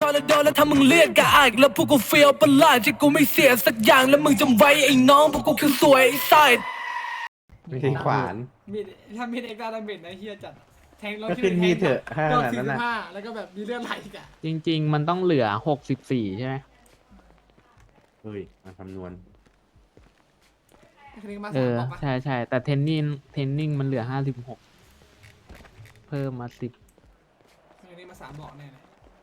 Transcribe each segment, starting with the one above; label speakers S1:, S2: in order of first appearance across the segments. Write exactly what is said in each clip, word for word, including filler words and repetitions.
S1: แล้วโดนแล้วถ้ามึงเรียกกะอายแล้วพวกกูเฟียวประหลาดที่กูไม่เสียสักอย่างแล้วมึงจำไว้ไอ้น้องพวกกูคือสวยไอ้ไซด์
S2: ไม่ใช่ขวาน
S3: มีดถ้ามีดเอ็กซ์ตร้าดาเมจนะเฮียจัดแทงเรา
S2: ก็ขึ้นมีดเถอะห้า
S3: ก็
S2: ขนาด
S3: สี่
S2: นั้น
S3: สิ
S2: น่ะ
S3: บห้าแล้วก็แบบมีเลือดไหลอีกอ่ะ
S4: จริง ๆ มันต้องเหลือหกสิบสี่ใช่ไหม
S2: เฮ้ยมาคำนวณ
S3: คณิตมา
S4: เอ
S3: สาม
S4: อ
S3: บอกปะ
S4: ใช่ใช่แต่เทนนิงเทนนิงมันเหลือห้าสิบหกเพิ่มมาสิบ
S3: คณิตมาสามบอกแน่เลย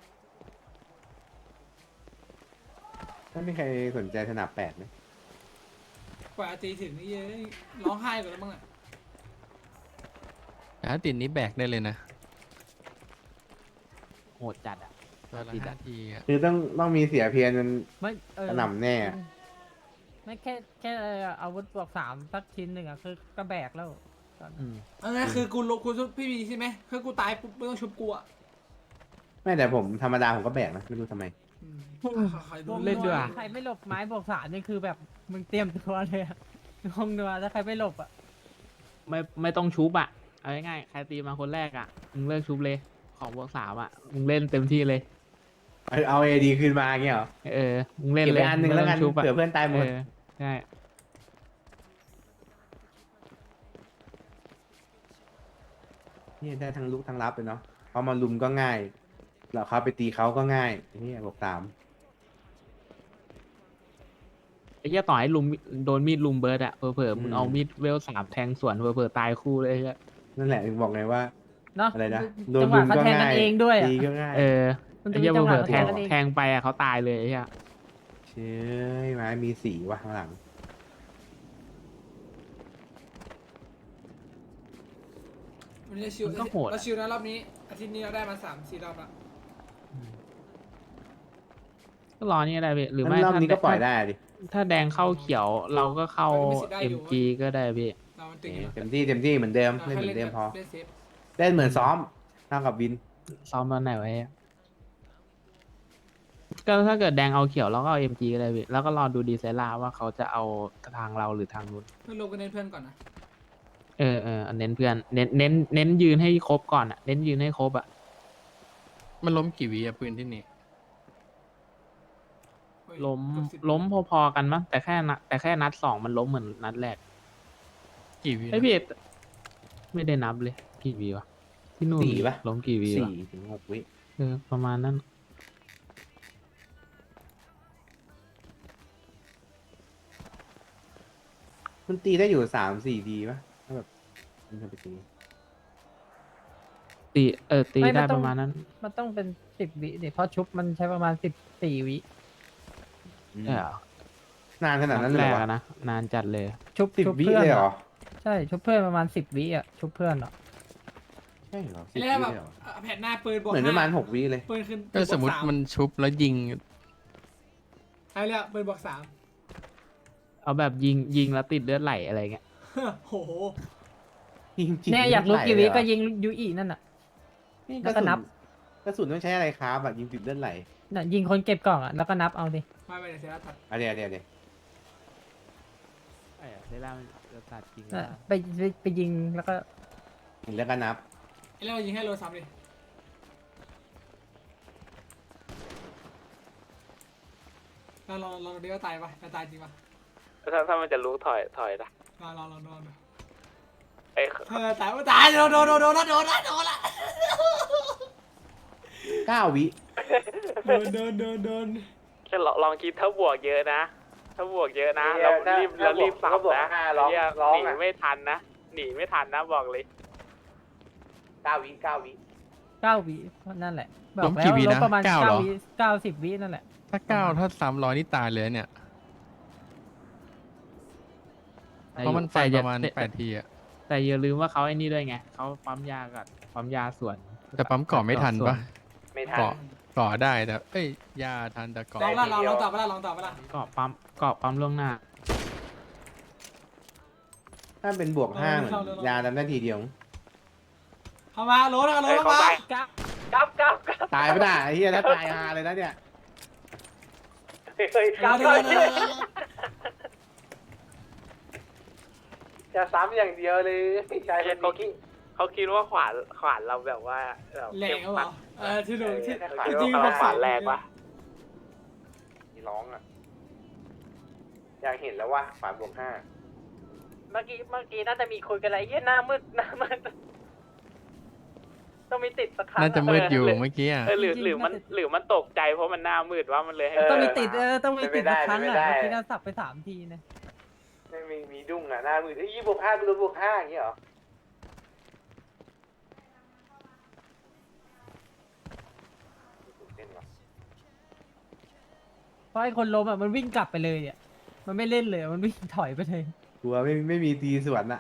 S2: ถ้ามีใครสนใจสนับแปดไหม
S3: กว่าจะตีถึงนี่เย้ยร้องไห้ก่อนแล้วมั้งอ่ะ
S5: แต่ถ้าติดนี้แบกได้เลยนะ
S4: โหดจัดอ่ะ
S5: ตัวละ
S4: ติดอะ
S5: ห้าทีอะ
S2: คือต้องต้องมีเสียเพียนมัน
S6: ไม่เออก
S2: ระหน่ำแน่อะ
S6: ไม่แค่แค่อาวุธบวกสามสักชิ้นหนึ่งอ่ะคือกระแบกแล้ว
S4: อืม
S3: เอาไงคือกูลงกูชุบพี่บีใช่ไหมคือกูตายปุ๊บไม่ต้องชุบกูอ่ะ
S2: ไม่แต่ผมธรรมดาผมก็แบกนะ ไม่รู้ทำไม
S3: อืมใครๆดู
S4: เล่นด้วยอะ
S6: ใครไม่หลบไม้บวกสามนี่คือแบบมึงเตรียมตัวเลยอะงงนัวถ้าใครไม่หลบอ่ะ
S4: ไม่ไม่ต้องชุบอ่ะเอาง่ายๆใครตีมาคนแรกอ่ะมึงเลิกชุบเลยของบวกสามอ่ะมึงเล่นเต็มที่เลย
S2: เอาเอาเอดีคืนมาเงี้ยเหรอ
S4: เออมึงเล่น
S2: เก็บ
S4: เล
S2: ไป
S4: ย
S2: อันหนึ่งแล้วกัน
S4: ไม่ต้ชุบะ
S2: เผื่อเพื่อนตายหมด
S4: เออใช่
S2: นี่ได้ทั้งลุกทั้งรับเลยเนาะพอมาลุมก็ง่ายเราเขาไปตีเขาก็ง่ายนี่บอกสาม
S4: ไอ้เหี้ยต่อให้ลุมโดนมีดลุมเบิร์ดอ่ะเผลอๆมึงเอามีดเวลสามแทงสวนเผลอๆตายคู่เลยไอ้เหี้ย
S2: นั่นแหละถึงบอกไงว่า
S6: เนาะ
S2: อะไรนะโดน
S6: จังห
S2: ลุ
S6: วะ
S2: ม
S6: เขา
S2: ก็
S6: แทงกั
S2: ง่าน ย
S6: เองด้วยอะ
S2: ตีก็ง่าย
S4: เออ
S6: มัน
S4: ไอ้
S6: จะมี
S4: เหี้ย
S6: จังห
S4: เผ
S6: วะ
S4: ลอๆ
S6: เขา
S4: แท
S6: แท
S4: ง
S6: งกันเอง
S4: แทงไปอ่ะเขาตายเลยไอ้เหี้ย
S2: เชื่อไม้มีสีว่ะข้างหลัง
S3: วันนี้ชิวเราชิวนะรอบนี้อาทิตย์นี้เราได้มาสามสี่รอบละ
S4: ก็รอนี่ก็ได้พี่หรือไม่
S2: งั้นรอบ
S4: ถ้า
S2: นี้ก็ปล่อยได้ดิ
S4: ถ้าแดงเข้าเขียวเราก็เข้า เอ็ม จี ก็ได้พี่
S3: เรามันตึงอยู่นะ
S2: เต็มที่เต็มที่เหมือนเดิม
S3: เรา
S2: เล่นเหมือนเดิมพอ
S3: เล่นเซฟ
S2: เล่นเหมือนซ้อมเท่ากับวิน
S4: ซ้อมตอนไหนไว้อะก็ถ้าเกิดแดงเอาเขียวเราก็เอา เอ็ม จี ก็ได้พี่แล้วก็รอดูดีไซล่าว่าเขาจะเอาทางเราหรือทางนู้น
S3: เพื่อนลงกันเน้นเพื่อนก่อนนะ
S4: เออเออเน้นเพื่อนเน้นเน้นเน้นยืนให้ครบก่อนอ่ะเน้นยืนให้ครบอ่ะ
S5: มันล้มกี่วิอะปืนที่นี่
S3: เฮ้ย
S4: ล้ม
S3: เกือบสิบ
S4: ล้มพอๆกันมั้งแต่แค่นัดแต่แค่นัดสองมันล้มเหมือนนัดแรก
S5: กี่วิ
S4: ไอยพี่ไม่ได้นับเลยกี่วีวะที่นู่น
S2: สี่ปะ
S4: ล้มกี่วีวะ
S2: สี่ถึงหกวิ
S4: เออประมาณนั้น
S2: มันตีได้อยู่สามสี่ทีปะถ้าแบบมันจะไปตี
S4: ตีเออตี
S6: ไม่
S4: ได้
S6: มันต้
S4: ป
S6: อง
S4: ระมาณนั้น
S6: มันต้องเป็นสิบวิดิเพราะชุบมันใช้ประมาณสิบสี่วิ
S2: อืม
S4: ใช่เหรอน
S2: านขนาดนั้น
S4: ด
S2: เลย
S4: แร
S2: เหร
S4: ก
S2: อ
S4: อะนะนานจัดเลย
S6: ชุบ
S2: สิบ
S6: ชุบ
S2: วิ
S6: เพื่อน
S2: เลยเหรอ
S6: อะใช่ชุบเพื่อนประมาณสิบวิอ่ะชุบเพื่อนอ่ะ
S2: ใช่เหรอสิบ
S3: แล้
S2: วิ
S3: วแบบ
S2: เลยเหรอ
S3: แผ่นหน้าปืนบวก
S2: เหมือนประมาณหกวิเลย
S3: ปืนขึ้น
S5: ก็สมมติมันชุบแล้วยิง
S3: ใช่แล้วปืนบวกสาม
S4: เอาแบบยิงยิงแล้วติดเลือดไหลอะไรเงี้ย
S3: โห
S2: จริงๆ
S6: เนี่ยอยากรู้
S2: ไหล
S6: กี่วิ
S2: เลเหรอ
S6: ก็ยิงยูอีนั่นน่ะ
S2: นี่
S6: แล้วก็นับ
S2: กระสุนต้องใช้อะไรครับแบบยิงติดเลือดไหล
S6: น่ะยิงคนเก็บกล่องอ่ะแล้วก็นับเอาสิ
S3: ไม่ไม่เดี๋ยวเสียตัด
S2: อ่ะเดี๋ยวเดี๋ยวเดี๋ยว
S4: เออได้แล้วจะตัดจริง
S6: น่ะไปไปไปยิงแล้วก็
S2: ถึงแล้วก็นับ
S3: ไอ้เรายิงให้โลซ้ำดิเราลองลองดูว่าตายปะจะตายจริงปะ
S4: ถ้าถ้ามันจะรู้ถอยถอยนะ
S3: ลองลองลองลองดู
S4: ไอ้
S3: ถ้าตายว่าตายโดนโดนโดนโดนละโดนละโดนละ
S2: เก้าวิ
S3: โดนโดนโดนโดน
S4: แค่ลองคิดถ้าบวกเยอะนะ ถ้าบวกเยอะนะเรารีบเรารีบสับนะเหี้ยหนีไม่ทันนะหนีไม่ทันนะบอกเลย
S2: เก้าวิเก้าวิ
S6: เก้าวินั่นแหละบ
S5: ล้
S6: อก
S5: ม
S6: แล้
S5: กี่
S6: ว
S5: วิ
S6: ลบ
S5: นะ
S6: ประมาณ
S5: เก้าเหร
S6: เก้า
S5: อ
S6: วิเก้าสิบวินั่นแหละ
S5: ถ้าเก้าถ้าสามร้อยนี่ตายเลยเนี่ย เพราะมันฟันประมาณ
S4: แต่
S5: แปดทีอะ
S4: แต่อย่าลืมว่าเขาไอ้นี่ด้วยไงเขาปั๊มยากับปั๊มยาส่วน
S5: แต่ปั๊มก่อไม่ทันปะ
S2: ไม่ทัน
S5: เกาะก่อได้แต่เอ้ยยาทันแต่ก่อ
S3: ลองละลองลองตอบไปละลองตอบไปละ
S4: เกาะปั๊มเกาะปั๊มล่วงหน้า
S2: ถ้าเป็นบวกห้าเหมือนยาทำได้ทีเดียว
S3: เข้ามาโหลนะโหลลงมา
S2: ตายไม่ได้ไอ้เหี้ยถ้าตายฮาเลยนะเนี่ย
S3: กลับก่อน
S2: จะซ้ำอย่างเดียวเลยใช่
S4: เขาคิดเขาคิดว่าขวานขวานเราแบบว่าแบบ
S3: แรงเหรอ
S4: เ
S3: เออที่ลุงที่
S4: ขาย
S3: จริง
S4: ว่า
S3: ๆ
S4: กำลังหวานแรงปะ
S2: มีร้องอ่ะ อยากเห็นแล้วว่าฝานบวกห้า
S7: เมื่อกี้เมื่อกี้น่าจะมีคุยกันอะไรเยี่ยหน้ามืดหน้ามืดต้องมีติดสักครั้ง
S5: น่าจะมืดอยู่เมื่อกี้อ่ะ
S4: เออหรือหรือมันหรือมันตกใจเพราะมันหน้ามืดว่ามันเลยให้
S6: ต้องมีติดเออต้องมีติดสักครั้ง
S2: ไม่
S6: อ่ะ
S2: ได้
S6: เมื่อกี้เราสับไปสามทีนะ
S2: ไม่มีมีดุ้งอ่ะหน้ามือเอ้ยยี่บวกห้ากูโดนบวกห้าอย่างเงี้ยเหรอเต้นว่ะ
S6: เพราะไอ้คนล้มอ่ะมันวิ่งกลับไปเลยเนี่ยมันไม่เล่นเลยมันวิ่งถอยไปเลย
S2: กลัวไม่ไม่มีตีสวนอ่ะ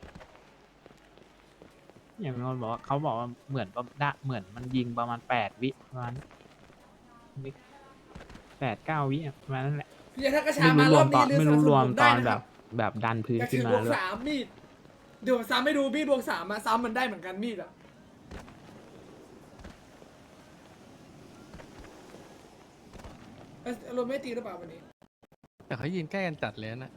S8: อย่างนนท์บอกว่าเขาบอกว่าเหมือนประดะเหมือนมันยิงประมาณแปดวิประมาณวิแปดเก้าวิอะประมาณนั้นแหละ
S3: พี่ถ้ากระชา
S8: ไม่
S3: มา
S8: รู้ร
S3: ร
S8: ว
S3: อ
S8: ม
S3: บ
S8: ตอ
S3: นี้
S8: น
S3: เรือ
S8: ไม่
S3: สนั
S8: รู้
S3: บส
S8: ร
S3: นุ
S8: วม
S3: นผม
S8: ต
S3: ได้
S8: อน
S3: นะ
S8: แบ
S3: ครับ บ
S8: แบบดันพื้น
S3: แต่
S8: ขึ้
S3: คื
S8: น
S3: อ
S8: มา
S3: บวก
S8: ด้วย
S3: สามมีดเดี๋ยวสามไม่ดูมีดบวกสามมาซ้ำมันได้เหมือนกันมีดอะเอ้ยเราไม่ตีหรือเปล่าวันนี้
S5: แต่เขายืนใกล้กันจัดเลยนะ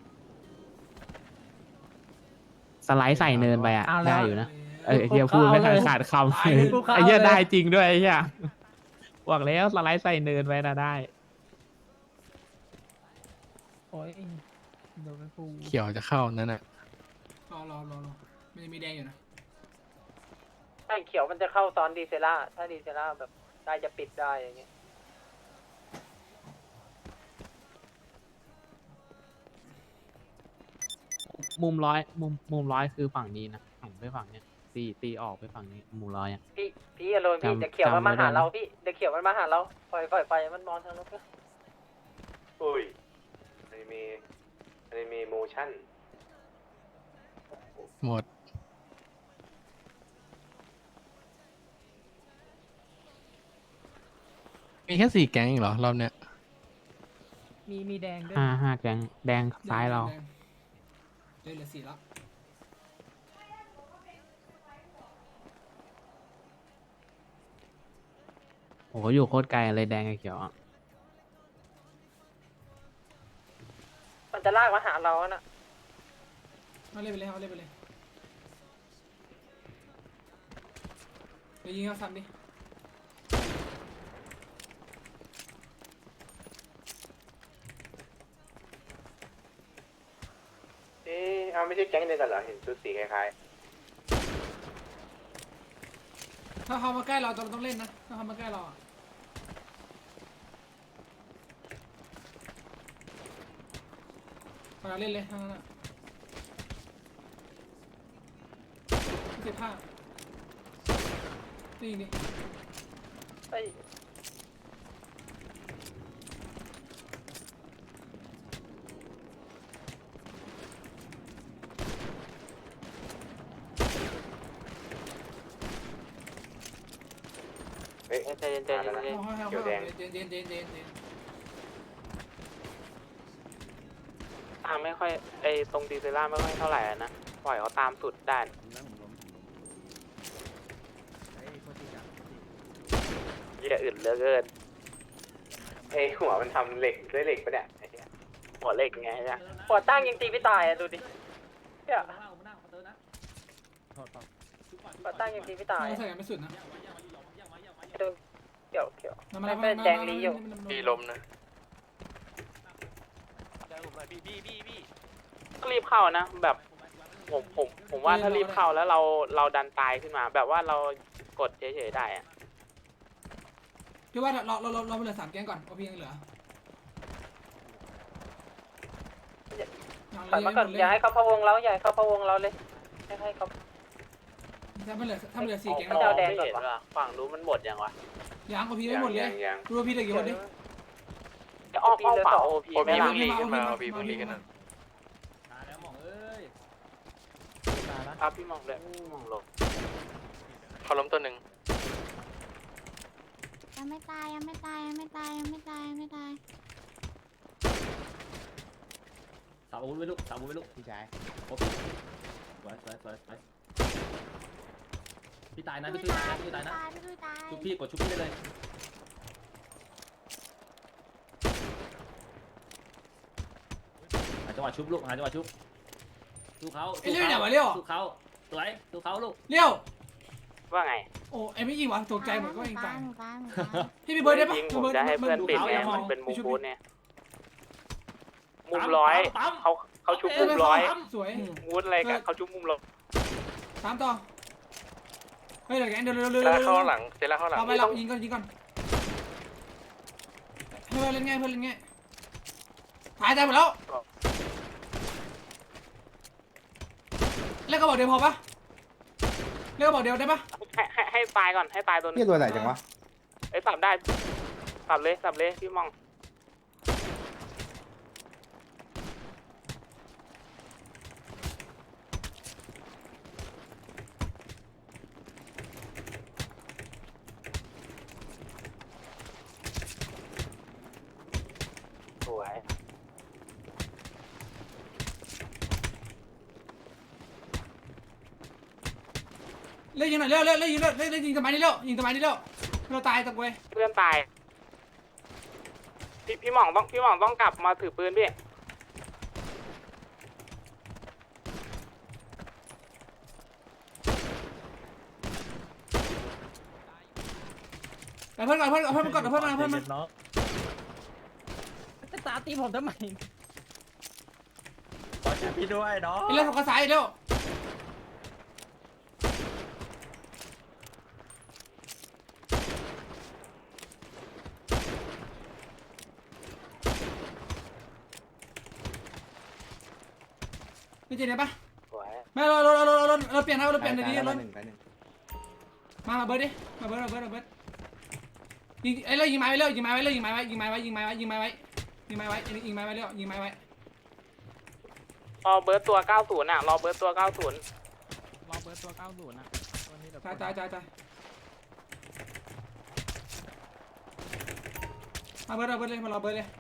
S8: สไลด์ใส่เนินไปอ่ะ
S6: เอาแล้ว
S8: ได้อยู่นะเออไอ้เฮียพูดไม่ทันขาดคำ
S6: ไอ้พวกเขา
S8: ไอ้เฮีย
S6: เอาเลย
S8: ได้จริงด้วยไอ้เฮียบอกแล้วสไลด์ใส่เนินไปนะได้
S6: โอ้ยโดนไปฟู
S5: เขียวจะเข้านั่นน่ะ
S3: รอรอรอรอมันยังมีแดงอยู่นะ
S7: ใช่เขียวมันจะเข้าตอนดีเซล่าถ้าดีเซล่าแบบได้จะปิดได้อย่างเงี้ย
S8: มุมร้อยมุมมุมร้อยคือฝั่งนี้นะหันไปฝั่งเนี้ยตีตีออกไปฝั่งนี้มุมร้อยอ่ะ
S7: พี่พี่อารมณ์พี่
S8: จำ
S7: เดี๋ยวเขียวมันมา
S8: จำไม่ได้
S7: หาเราพี่เดี๋ยวเขียวมันมาหาเราปล่อยปล่อยไปมันมองทางนู้นก็
S2: อุ้ยอันนี้มีอันนี้มีโมชั่น
S5: หมด มีแค่สี่แก๊งเองเหรอ รอบเนี้ย
S6: มีมีแดงด้วย
S8: ห้าห้าแกงแดงซ้ายเรา
S3: แดงแดงเหลือสี่แล้ว
S8: โอ้โหอยู่โคตรไกลเลยแดงกับเขียวอ่ะ
S7: มันจะลากมาหาเราอะน่ะ
S3: เอาเล่นไปเลยเอาเล่นไปเลยเดี๋ยวยิงเขาซ้ำดิ
S2: เอ๊ะเอาไม่ใช่แก๊งเดียวกันเหรอ เห็นชุดสีคล้าย
S3: ถ้าเขามาใกล้เราเราต้องเล่นนะถ้าเขามาใกล้เราอะเราเล่นเลยทั้งนั้นอะสิบห้านี่ดิ
S7: เอ้ย
S2: ๆ เฮ้ย
S4: ใจเย็นใจเย็นใจเย็น
S3: เอาให้เอา
S2: เขียวแดง
S3: ให้เย็นเย็นเย็นเย็นเย็น
S4: ตามไม่ค่อยไอตรงดีเซล่าไม่ค่อยเท่าไหร่อะนะปล่อยเขาตามสุดได้เหี้ยอื่นเหลือเกิน
S2: เอ้ยหัวมันทำเหล็กด้วยเหล็กปะเนี่ยไอ้เหี้ย
S4: หัวเล็กไงเนี่ย
S7: หัวตั้งยังตีไม่ตายอะดูดิเนี่ยหัวตั้งยังตีไม่ตาย
S3: เรา
S7: อะ
S3: ใส่กันไม่สุดนะ
S7: ดูเขียวเขียว
S3: มามา
S7: ไม่
S3: มา
S7: เป็น
S3: มา
S7: แดงลีอยู่
S4: พี่ลมนะก็รีบเข้านะ แบบผมผมผมว่าถ้ารีบเข้าแล้วเราเราดันตายขึ้นมา แบบว่าเรากดเฉยๆได้อะ
S3: พี่ว่าเราเราเราเราเหลือสามแก๊งก่อนโอพียังเหลือ
S7: ถอยมาก่อนอย่าให้เขาพะวงเราอย่าให้เขาพะวงเราเลยให้ให้เขา
S3: ถ้ามันเหลือถ้ามันเหลือสี่แก๊ง
S7: มันจะเอาแดง
S4: ไม่เห็นว่ะฝั่งนู้นมันหมดยังวะ
S3: ยังโอพีไม่หมดเลย
S2: ยังยัง
S3: ดูโอพีเหลือกี่คนดิ
S4: จะอ้อมอ้อมฝั่งโอพี
S3: โอ
S4: ไม่
S3: พี
S4: ละ
S3: เพิ่งรีขึ้นมาโอพีเพิ่งรีขึ้นมา
S4: ครับพี่มองเลยมองลง
S5: เขาล้มตัวหนึ่ง
S9: ยังไม่ตายยังไม่ตายยังไม่ตายยังไม่ตายยังไม่ตาย
S10: สามอาวุธไว้ลูกสามอาวุธไว้ลูก
S2: พี่ชาย
S10: โอเคสวยสวยสวยสวยพี่ตายนะพี่ตุ้ยตายนะพี่ตุ้ยตายนะ
S9: พี่ตุ้ยตาย
S10: ชุบพี่กดชุบพี่ได้เลยหาจังหวะชุบลูกหาจังหวะชุบสู้เขา
S3: ไอ้เลี้ยวไหนวะเลี้ยว
S10: สู้เขาสวยสู้เขาลูก
S3: เลี้ยว
S4: ว่าไง
S3: โอ้ไอ้ไม่ยิงวะตกใจเหมือนก็เองตาย
S9: หนูตายหนูตาย
S3: พี่พี่เบิร์ดได้ปะ
S4: ยิง
S3: พี่
S4: ผม
S3: บิร์ด
S4: จะให้เพื่อนปิดไง
S3: ดู
S4: มันเป็นมุม
S3: ชุบ
S4: บูธเนี่ยมุมร้อยเขาเขาชุบมุมร้อย
S3: สวย
S4: มูดอะไรกันเขาชุบมุมร้อย
S3: ตามต่อเฮ้ยเดี๋ยวแกเดี๋ยวเร็วเร็ว
S5: เซ
S3: เร็ว
S5: ล่า
S3: เร็ว
S5: เข้าหลังเซล่าเข้าหลัง
S3: เอาไปหลับยิงก่อนยิงก่อนเพื่อนเล่นง่ายเพื่อนเล่นง่ายหายใจหมดแล้วเล่นกระบอกเดียวพอปะเล่นกระบอกเดียวได้ปะ
S4: ให้ให้ให้ตายก่อนให้ตายตัวนึ
S2: เฮีย
S4: ง
S2: ตัวไหนจังวะ
S4: ไอ้ยสับได้สับเลยสับเลยพี่มอง สวย
S3: เล่นยิงหน่อยเร็วเร็วเล่นยิงเร็วเล่นเล่นยิงสมัยนี้เร็วยิงสมัยนี้เร็วเราตายตะกเวย
S4: เพื่อนตายพี่พี่หม่องต้องพี่หม่องต้องกลับมาถือปืนพี่
S3: เพื่อนก่อนเพื่อนก่อนเพื่อนก่อนเพื่อนมาเพื่อนมา
S6: จะตาตีผมทำไม
S10: พี่ด้วยเนาะ
S3: เร็วกระสายเร็วไม่เจอเนี่ยปะ
S4: สวย
S3: ไม่เราเราเราเราเราเปลี่ยนนะเราเปลี่ยน
S2: ตาย
S3: ดี
S2: ตาย
S3: ๆเรา
S2: หนึ่งตายหนึ่ง
S3: มามาเบิร์ดดิมาเบิร์ดมาเบิร์ดมาเบิร์ดยิงไอ้เร็วยิงไม้ไว้เร็วยิงไม้ไว้เร็วยิงไม้ไว้ยิงไม้ไว้ยิงไม้ไว้ยิงไม้ไว้ยิงไม้ไว้ยิงไม้ไว้เร็วยิงไม้ไว้
S4: รอเบิร์ตตัว เก้าสิบ อ่ะ รอเบิร์ตตัว เก้าสิบ
S8: รอเบิร์ดตัวเก้าศูนย์นะตัวนี้เดี๋ยว
S3: ตายตายตายตายมาเบิร์ดมาเบิร์ดเลยมารอเบิร์ดเลย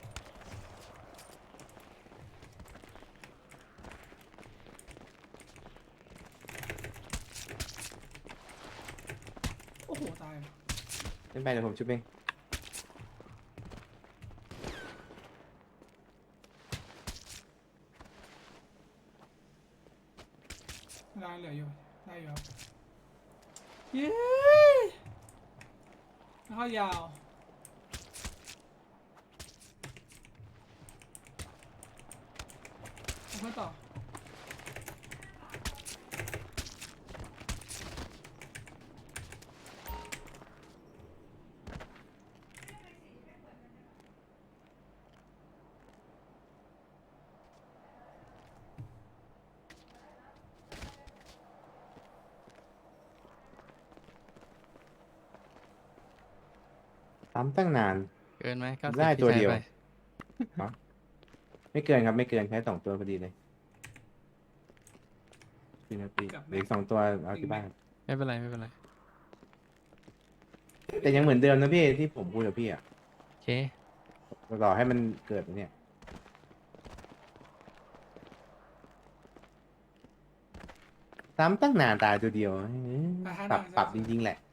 S3: โอ้โหตาย
S2: เล่นไปเดี๋ยวผมชุบเอง
S3: ได้เหลืออยู่ได้อยู่ครับเย้แล้วก็ยาวเอาเพื่อนต่อ
S2: ตามตั้งนาน
S5: เกินไหมเก้าสิบ
S2: ได้ตัวเดียว
S5: ที่ใช้ไป
S2: ไม่เกินครับไม่เกินแค่สองตัวพอดีเลยสี่นาทีเหลืออีกสองตัวเอาที่บ้าน
S5: ไม่เป็นไรไม่เป็นไร
S2: แต่ยังเหมือนเดิมนะพี่ที่ผมพูดกับพี่อ่ะ
S5: โอเค
S2: รอให้มันเกิดเนี่ยซ้ำตั้งนานตายตัวเดียวเอ้ยปรับปรับจริงๆแหละ